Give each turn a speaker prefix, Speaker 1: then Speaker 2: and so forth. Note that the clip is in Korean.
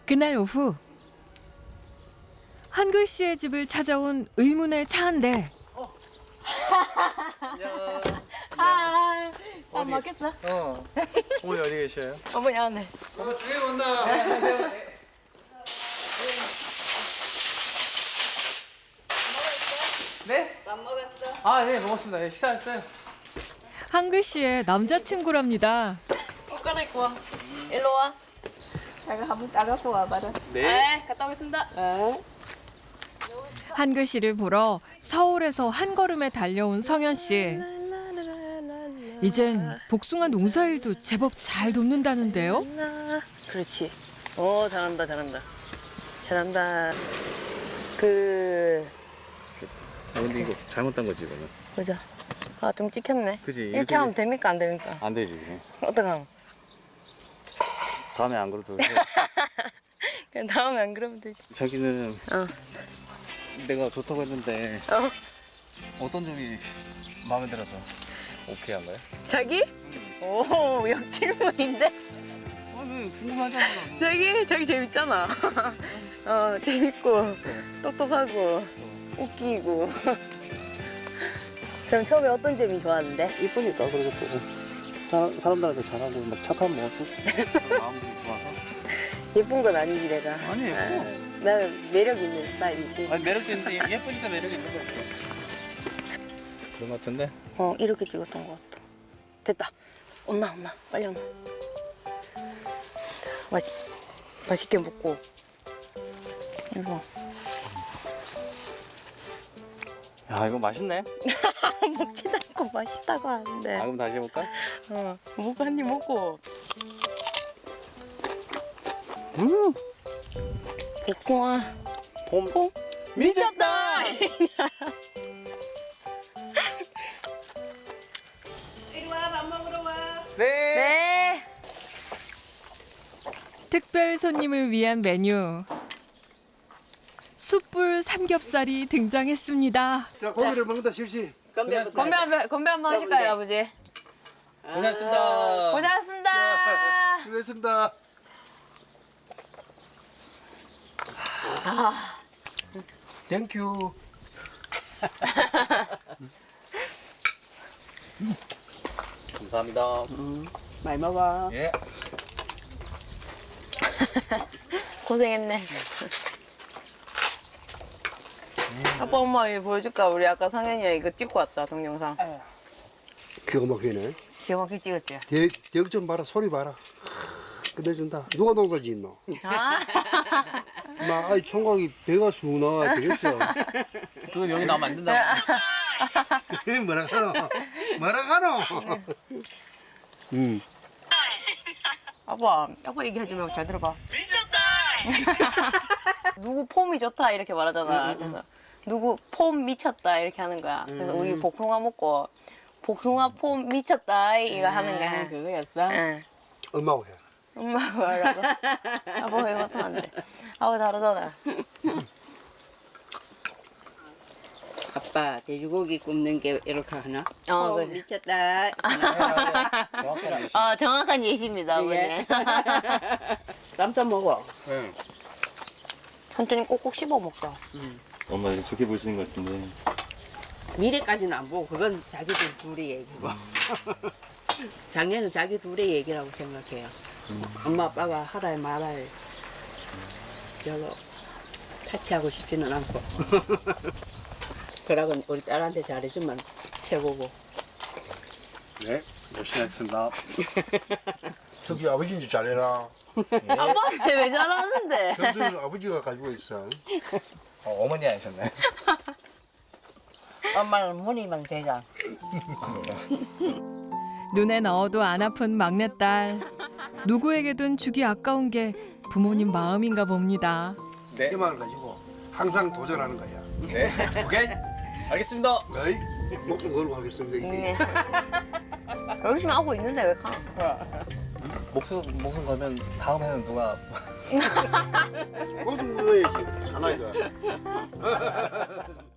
Speaker 1: 그날 오후 한글 씨의 집을 찾아온 의문의 차 한 대.
Speaker 2: 아, 안
Speaker 3: 어디?
Speaker 2: 먹겠어?
Speaker 3: 어머니 어디 계셔요?
Speaker 2: 어머니 안에.
Speaker 3: 어머 집에 온다. 네?
Speaker 2: 안 먹었어?
Speaker 3: 아, 네, 먹었습니다. 네, 식사했어요.
Speaker 1: 한글 씨의 남자친구랍니다.
Speaker 2: 옷 갈아입고 와. 일로 와.
Speaker 4: 자가 한번 따갖고 와봐라.
Speaker 2: 네, 갔다 오겠습니다.
Speaker 1: 한글 씨를 보러 서울에서 한 걸음에 달려온 성현 씨. 이젠 복숭아 농사일도 제법 잘 돕는다는데요.
Speaker 2: 그렇지. 잘한다, 잘한다. 잘한다.
Speaker 3: 아, 근데 이거 잘못한 거지, 이거는.
Speaker 2: 보자. 아, 좀 찍혔네.
Speaker 3: 그지?
Speaker 2: 이렇게 하면 됩니까, 안 됩니까?
Speaker 3: 안 되지.
Speaker 2: 어떡함?
Speaker 3: 다음에 안 그래도 돼.
Speaker 2: 그냥 다음에 안 그러면 되지.
Speaker 3: 자기는
Speaker 2: 어.
Speaker 3: 내가 좋다고 했는데
Speaker 2: 어.
Speaker 3: 어떤 점이 마음에 들어서 오케이 한 거야?
Speaker 2: 자기? 오, 역질문인데?
Speaker 3: 아니, 궁금하잖아.
Speaker 2: 자기 재밌잖아. 재밌고, 똑똑하고, 웃기고. 그럼 처음에 어떤 점이 좋았는데?
Speaker 3: 이쁘니까 그리고 또 사람들한테 잘하고 막 착한 모습 마음들이 좋아서
Speaker 2: 예쁜 건 아니지, 내가.
Speaker 3: 아니, 예뻐.
Speaker 2: 나는 매력 있는 스타일이지.
Speaker 3: 아니 매력도 있는데 예쁘니까 매력이 있는 거 같아. 그런 거 같은데?
Speaker 2: 이렇게 찍었던 것 같아. 됐다. 온나, 빨리 온나. 맛있게 먹고. 이거.
Speaker 3: 야 이거 맛있네.
Speaker 2: 먹지도 않고 맛있다고 하는데.
Speaker 3: 아 그럼 다시 해볼까?
Speaker 2: 먹고 한 입 먹고. 복숭아.
Speaker 3: 봄
Speaker 2: 미쳤다!
Speaker 4: 이리 와, 밥 먹으러 와.
Speaker 3: 네.
Speaker 2: 네.
Speaker 1: 특별 손님을 위한 메뉴. 숯불 삼겹살이 등장했습니다.
Speaker 5: 자, 고기를 먹는다, 실시.
Speaker 2: 건배 한번 하실까요, 아버지?
Speaker 3: 고생하셨습니다.
Speaker 2: 고생하셨습니다.
Speaker 5: 수고했습니다. 땡큐.
Speaker 3: 감사합니다.
Speaker 4: 많이 먹어.
Speaker 3: 예.
Speaker 2: 고생했네. 아빠 엄마 이거 보여줄까? 우리 아까 상현이가 이거 찍고 왔다, 동영상.
Speaker 5: 기가 막히네.
Speaker 2: 기가 막히게 찍었지?
Speaker 5: 대역 좀 봐라, 소리 봐라. 끝내준다. 누가 농사 짓노?
Speaker 2: 아,
Speaker 5: 마, 아이, 총각이 배가 쑥 나와 되겠어.
Speaker 3: 그건 여기 나오면 안 된다고.
Speaker 5: 뭐라 하노? 뭐라 하노?
Speaker 2: 아빠 얘기하지 말고 잘 들어봐. 미쳤다! 누구 폼이 좋다 이렇게 말하잖아. 그래서 누구 폼 미쳤다 이렇게 하는 거야. 그래서 우리 복숭아 먹고 복숭아 폼 미쳤다 이거 하는 거야.
Speaker 4: 그거였어?
Speaker 2: 응.
Speaker 5: 엄마고 해.
Speaker 2: 엄마가 말하고 아빠 왜 맡으면 안 돼. 아빠 다르잖아.
Speaker 4: 아빠, 돼지고기 굽는 게 이렇게 하나?
Speaker 2: 그렇지.
Speaker 4: 미쳤다.
Speaker 3: 정확하게 아시죠?
Speaker 2: 정확한 예시입니다, 아버지.
Speaker 4: 예. 쌈싸 먹어.
Speaker 3: 응.
Speaker 2: 천천히 꼭꼭 씹어 먹자.
Speaker 3: 엄마 이제 좋게 보시는 것 같은데.
Speaker 4: 미래까지는 안 보고 그건 자기들 둘의 얘기고. 작년은 자기 둘의 얘기라고 생각해요. 엄마 아빠가 하라에 말할 별로 타치하고 싶지는 않고. 그러고 우리 딸한테 잘해주면 최고고.
Speaker 3: 네. 열심히 하겠습니다.
Speaker 5: 저기 아버지인지 잘해라.
Speaker 2: 아빠한테 왜 잘하는데?
Speaker 5: 현수는 아버지가 가지고 있어.
Speaker 3: 어머니 하셨네.
Speaker 4: 엄마는 무늬만 되자.
Speaker 1: 눈에 넣어도 안 아픈 막내딸. 누구에게든 주기 아까운 게 부모님 마음인가 봅니다.
Speaker 3: 네.
Speaker 5: 희망을 가지고 항상 도전하는 거야.
Speaker 3: 네.
Speaker 5: 오케이?
Speaker 3: 알겠습니다.
Speaker 5: 어이? 목숨 걸고 하겠습니다. 이게.
Speaker 2: 열심히 하고 있는데 왜 가?
Speaker 3: 목숨 걸면 다음에는 누가
Speaker 5: 목숨 걸어야지. 사나이가.